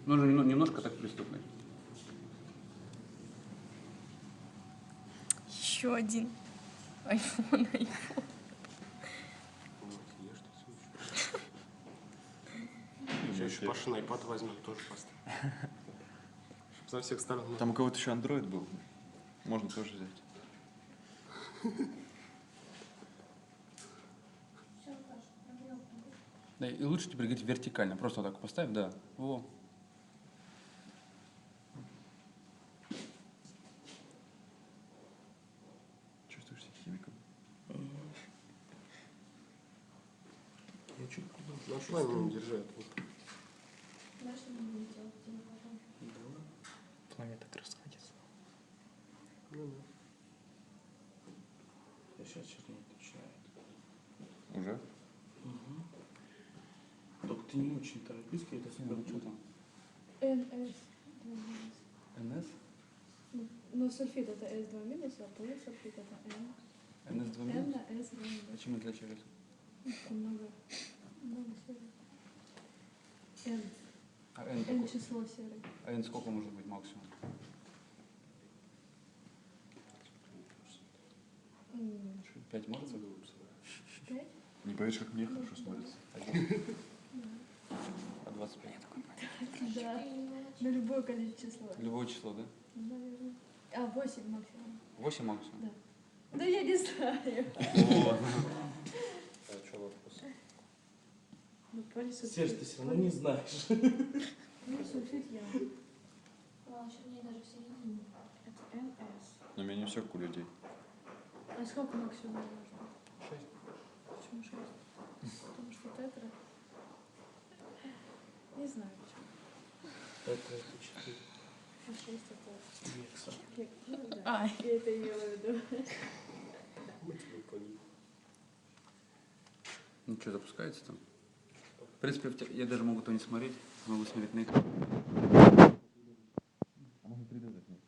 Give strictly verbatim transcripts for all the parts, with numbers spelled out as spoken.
Нужно немножко так приступать. Еще один. Айфон, айфон. Сейчас еще Паша на iPad возьмем, тоже поставим. Со всех сторон. Там у кого-то еще Android был. Можно тоже взять. Да, и лучше теперь говорить вертикально. Просто вот так поставь, да. Во. Чувствуешь себя химиком? Я чуть на плане не держать. Пламя так расходится. Ну, да. Сейчас чернеть начинает. Уже? Угу. Только ты не очень торопись, я это Ну, что там? эн эс. эн эс? Ну, сульфид это эс два минус, а полусульфид это N. эн эс два N минус? на S два минус. А чем отличались? Много. Много серый. N. А n, N какой? число серый. А n сколько может быть максимум? пять может быть? Пять? Не поверишь, как мне хорошо смотрится. А двадцать пять? Да. На любое количество числа. Любое число, да? Наверное. А, восемь максимум. восемь максимум? Да. Да я не знаю. а что вопрос? Ну, полисульфид. Серж, ты все равно не знаешь. Полисульфид я. А, чернее даже в середине. Это эн эс. Но у меня не все, как у людей. А сколько максимум можно? шесть. Почему шесть? Потому что тетра. Не знаю почему. Это это четыре. А шесть это... Векса. Век- Ну да. А, я это имела в виду. Мы тебя поняли. Ну что, запускается там? В принципе, в те- я даже могу то не смотреть, могу смотреть на экран. А можно три дэ запнуть?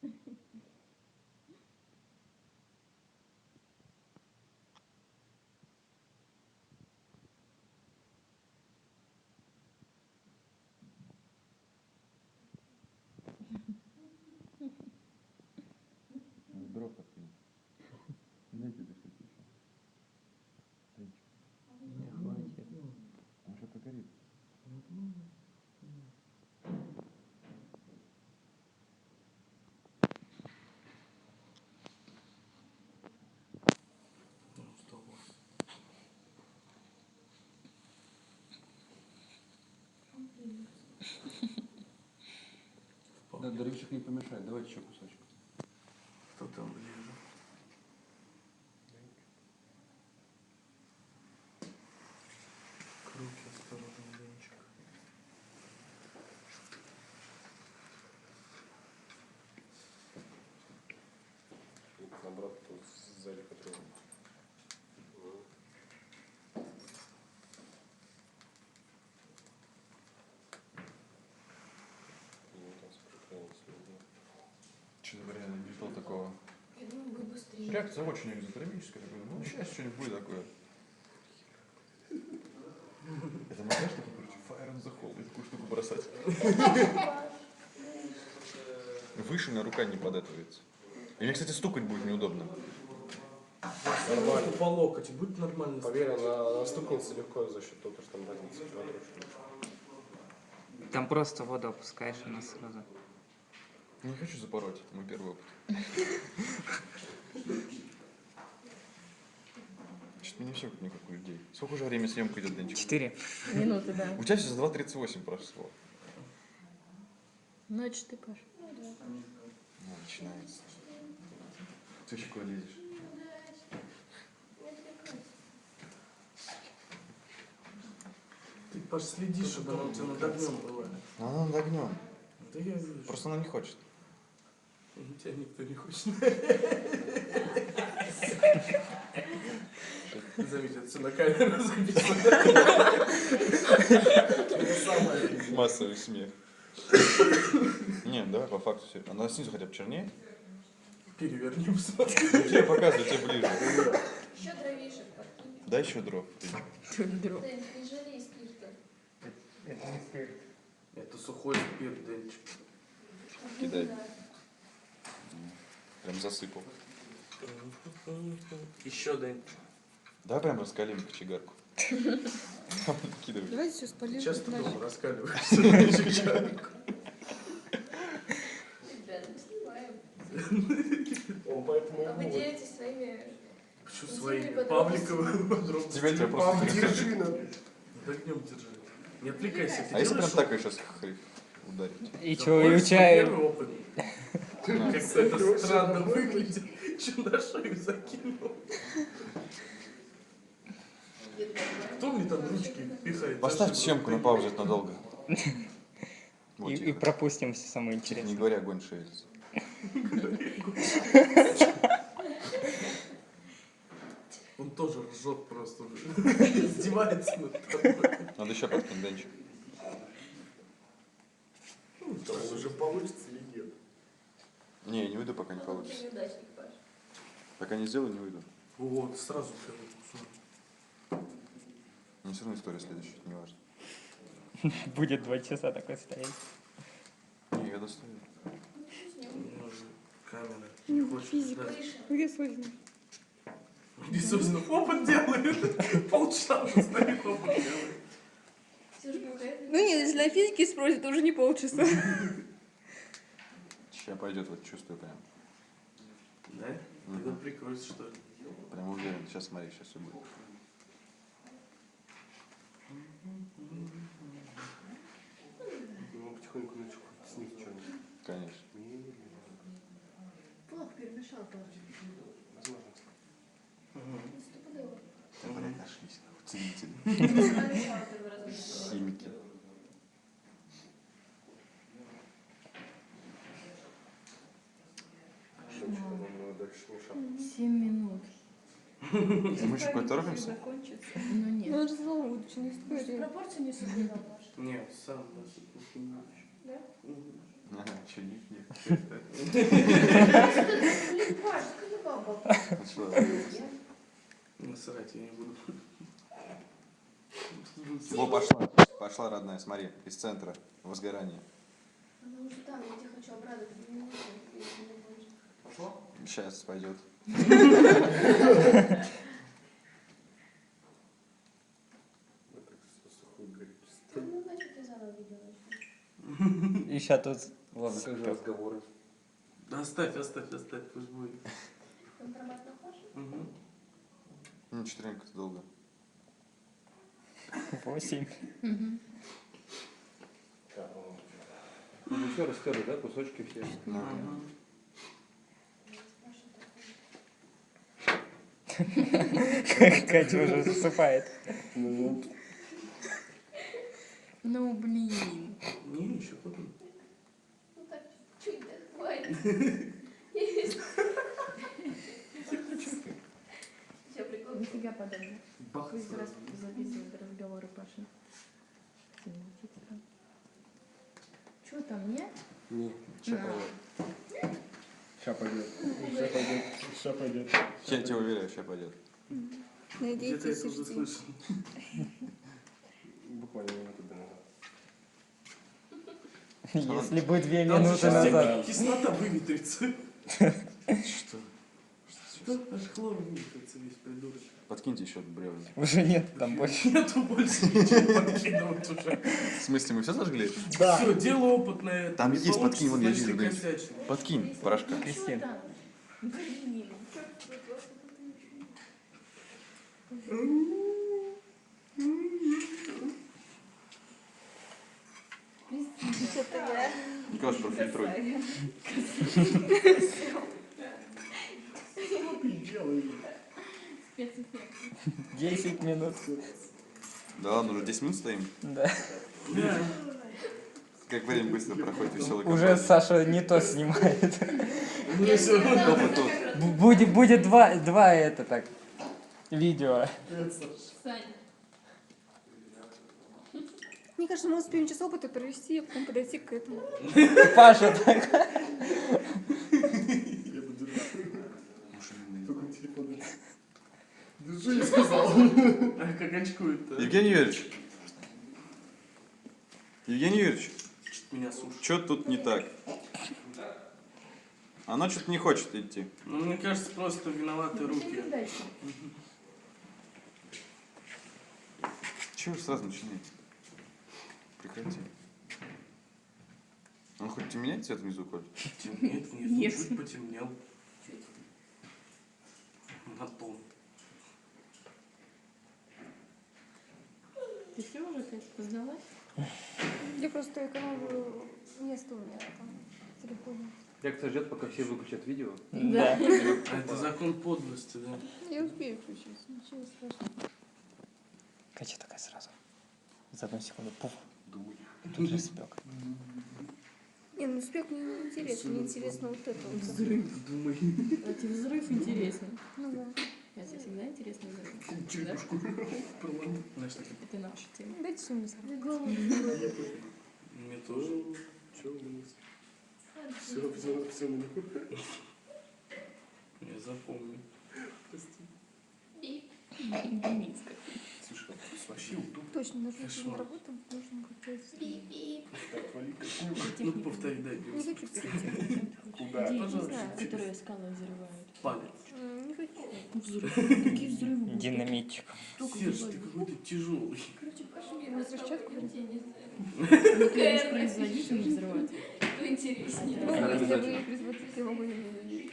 Дров подкинь. Дайте это что-то еще. Денчик. Не хватит. Он что-то горит. Ну, сто восемь. Да, дровишек не помешает, давайте еще кусочек. Кто там ближе? К руке осторожно, Денчик. Наоборот, тут сзади который. Честно говоря, я не ждал такого. Я думаю, будет быстрее. Реакция очень экзотермическая. Такой, ну, сейчас что-нибудь будет такое. Это монтаж такой, короче, fire on the hole. И такую штуку бросать. Выше на рука не податывается. И мне, кстати, стукать будет неудобно. Нормально. По локоть, будет нормально. Поверь, она, она стукнется легко за счет того, что там разница километров. Там просто воду опускаешь, она сразу. Не хочу запороть, это мой первый опыт. Что-то мне все не как у людей. Сколько уже время съемка идет, Денчик? Четыре. Минуты, да. У тебя сейчас два тридцать восемь прошло. Ночь ты, Паш. Ну, начинается. Ты еще куда лезешь? Ты, Паш, следи, чтобы она у тебя над огнем была. Ну, она над огнем. Да я вижу. Просто она не хочет. У тебя никто не хочет. Заметь, это все на камеру записано. Это самое. Массовый смех. Нет, давай по факту все. Она снизу хотя бы чернее. Перевернем. Тебе показываю, тебе ближе. Еще дровишек подкинь. Дай еще дров. Дров. Дэн, не жалей спирта. Это не спирт. Это сухой спирт, Денчик. Кидай. Прям засыпал. Еще, Денчик. Давай прям раскалим кочегарку. Накидывай. Давайте все спалим. Часто дальше. дома раскаливаешься. Чайку. Ребята, мы снимаем. Он поэтому А вы и будет. делитесь своими... Почему Интимные свои подробности. павликовые подробности? Тебя тебя просто Павлик, интересует. держи надо. Догнем держи. Не отвлекайся. Ты А если прям делаешь так ее сейчас хриф ударить? И Да чё, и помнишь, у тебя... первый опыт? Как-то это странно выглядит. Че на шею закинул? Кто мне там ручки пихает? Поставь Зачем? съемку на паузу, это надолго. Вот, И, и тихо. пропустим все самое Не интересное. говоря, огонь шевелится. Он тоже ржет просто уже. Издевается над тобой. Надо еще подкинуть, Денчик. Там уже получится или нет? Не, не выйду, пока не получится. Ты неудачник, Паш. Пока не сделаю, не выйду. Вот, сразу все. Не все равно история следующая, не важно. Будет два часа такой стоять. Не, я достаю. Камера. Не, Не хочешь физика. ждать. Выше. Где Созина? И, собственно, опыт делает. Полчаса уже стоит, опыт делает. Ксюша, какая-то... Ну нет, если на физике спросят, то уже не полчаса. Сейчас пойдет, вот чувствую прям. Да? Тогда прикроется, что ли? Прям уверен. Сейчас смотри, сейчас все будет. Ну, потихоньку начал снизу что-нибудь. Конечно. Плохо перемешал, Паш. Возможно. Стопудово. Да, блядь, нашлись. нахуй, Целители. Помешал первый раз. Химики. Нам дальше мешать. Семь минут. Мы еще куда-то торопимся? Ну нет. Ну, это же заученная Может, история. пропорцию не соблюдал, Паш? Нет, сам нас это не Да? Ага, че, нет, нет. Блин, Паш, ты не баба. Начала. Насрать, я не буду. Во, пошла. Пошла, родная, смотри. Из центра. Возгорание. Она уже там, я тебя хочу обрадовать. Две минуты, если не больше. Пошло? Сейчас пойдет. Мы так все сухой горит. Ну, значит, я заново видео начну. И сейчас тут... Ладно, как же разговоры? Да оставь, оставь, оставь, пусть будет. Компромат на Пашу? Угу. Ну, четыренько это долго. Восемь. Ну, все растерли, да, кусочки все? Ну, Катя уже засыпает. Ну блин. Не, еще потом. Ну так, чуть да, хватит. Есть. Все, прикол. Нифига подобного. Бах. Пусть раз записывают разговоры Паши. Чего там, нет? Не, сейчас пойдет. Сейчас пойдет. Сейчас пойдет. Сейчас пойдет. я тебя уверяю, сейчас пойдет. Где-то я Надейтесь, это уже ждите. слышал. Буквально минуту до назад. Если бы две Там же минуты сейчас назад. кислота выветрится. Что? Что? Аж хлор выветрится весь придурок. Подкиньте еще бревна. Уже нет там больше. Нету больше ничего подкидывать уже. В смысле, мы все зажгли? Все, дело опытное. Там Не есть, подкинь, вон, я получится, вижу, значит, Денчик. косячный. Подкинь порошка. Кристин. Там. Блин. Это я. Николаш, профильтруй. Десять минут. Да ладно, уже десять минут стоим. Да. Да. Как время быстро проходит, веселый Уже Саша не то снимает. Ну, всё равно. Опыт тут. Б- Будет, будет два, два это так. Видео. Сань. Мне кажется, мы успеем час опыта провести, а потом подойти к этому. Паша так. Только телефон. Держи, я сказал. А как очкует-то? Евгений Юрьевич. Евгений Юрьевич. Что-то меня сушит. Что тут не так? Она что-то не хочет идти. Ну, мне кажется, просто виноваты руки. Чего вы сразу начинаете? Прекрати. Он хоть темнеет цвет внизу, Коль? Темнеет внизу, Нет. чуть потемнел. На тон. Ты все уже как сдалась? Я просто экономлю место у меня там в телефоне. Лекция ждет, пока все выключат видео. Да. А это закон подлости, да? Я успею включить, ничего страшного. Катя такая сразу. За одну секунду. Пуф. Тут же спек. Не, ну спек мне не интересно, мне интересно вот это вот. Взрыв. Думай. А тебе взрыв интересный. Ну да. Я тебе всегда интересный взрыв. Черепушку. Знаешь, такие. Это наша тема. Дайте что-нибудь. Мне тоже. Че у нас? Все, все, все на них. Я запомню. Деминска. Слушай, вообще удобно. Точно, нужно Кошмар. на работу, нужно как-то... Так, вали. Ну, повтори, дай. Не хочу перейти. Куда? Не Пожалуйста. знаю, которые скалы взрывают. Палец. М, Не хочу. Взрывы. Какие взрывы? Динамитчик. Серж, ты какой-то тяжелый. На взрывчатку? Ну, конечно, производитель не взрывать. Кто интереснее? Ну, Надо если обязательно. вы производитель, я могу не...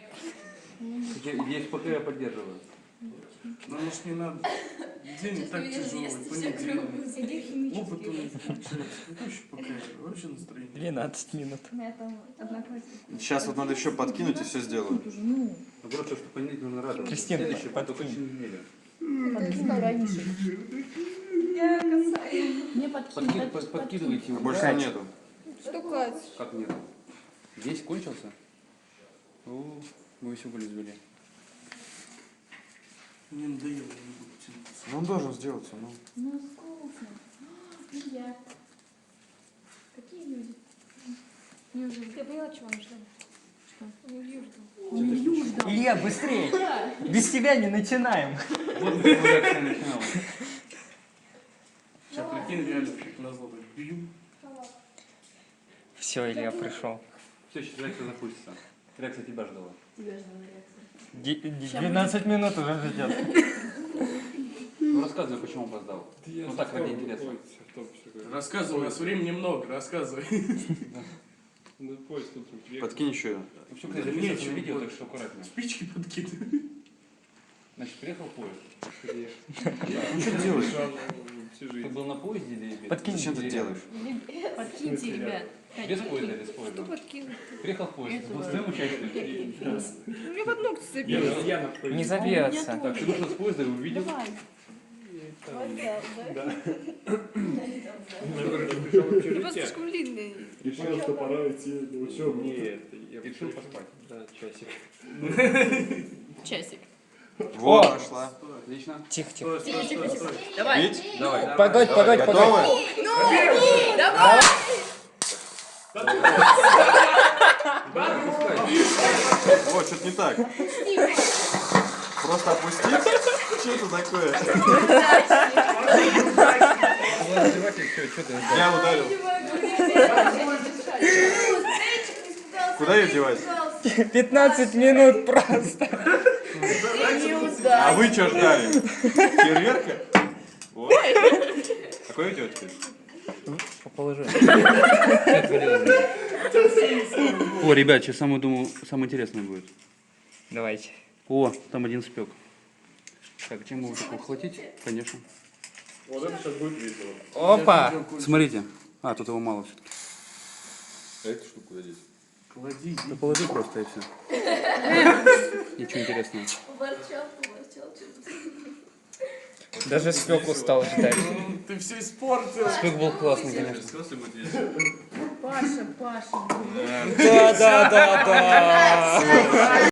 Есть ПК я поддерживаю. Ну, может, не надо. День Сейчас так меня тяжелый. съест, все Понедельник. кругом. Опыт у нас получается. Какой еще пока? Вообще настроение. двенадцать минут. У меня там одноклассник. Сейчас вот надо еще подкинуть и все сделаю. Уже, ну, Наоборот, что в понедельник нужно радоваться. Кристина, Следующий, подкинь. только через неделю. подкинь раньше. Я касаюсь. Мне подкинь. Подкид- под- под- Подкидывайте А его. больше там нету. Что, Кать? Как нет? Весь кончился? О, мы еще были извели. Мне надоело, я не буду тянуться. Ну он должен сделаться, ну. Ну, вкусно. Я. Какие люди? Неужели? Я поняла, чего он ждал. Что? Не вью ждал. Не Илью ждал. Илья, быстрее! Да. Без тебя не начинаем. Вот как реакция начиналась. Сейчас прикинь, реально, как назло, так бью. Все, Илья пришел. Все, сейчас реакция запустится. Реакция тебя ждала. Тебя ждала реакция. двенадцать минут уже ждет. Ну рассказывай, почему опоздал. Ну так, ради интереса. Рассказывай, у нас времени много, рассказывай. Подкинь еще. Ну все, кстати, записывается на видео, так что аккуратно. Спички подкидывай. Значит, приехал поезд. Ну что ты делаешь? Ты был на поезде или без? Подкинь. Зачем ты делаешь? Подкиньте, ребят. Без поезда, без Что поезда. подкинуть? Приехал поезд. Был своим участием. У меня под ногти цепилось. Не забьется. Так, ты вышел с поезда и увидел. Давай. Я просто слишком длинный. Решил, что пора идти на учебу. Нет, И решил поспать. Да, часик. Часик. Во, пошла. Отлично. Тихо, тихо. Стой, стой, стой, стой. Давай. Пить? Давай. Погодь, погодь, Готовы? погодь. О, что-то не так. Просто опустить? Что это такое? Я ударил. Куда ее девать? пятнадцать минут просто. А вы что ждали? Фейерверка? Вот. Какой у тебя теперь? Положи. О, ребят, сейчас самое, думаю, самое интересное будет. Давайте. О, там один спек. Так, чем его так ухватить? Конечно. Вот это сейчас будет весело. Опа! Смотрите. А, тут его мало все-таки. А эту штуку куда деть? Клади. Да положи просто и все. Ничего интересного. Ворчал, поворчал, что-то. Даже спек устал ждать. Ты все испортил. Спек был классный, конечно. Паша, Паша. Да, да, да, да.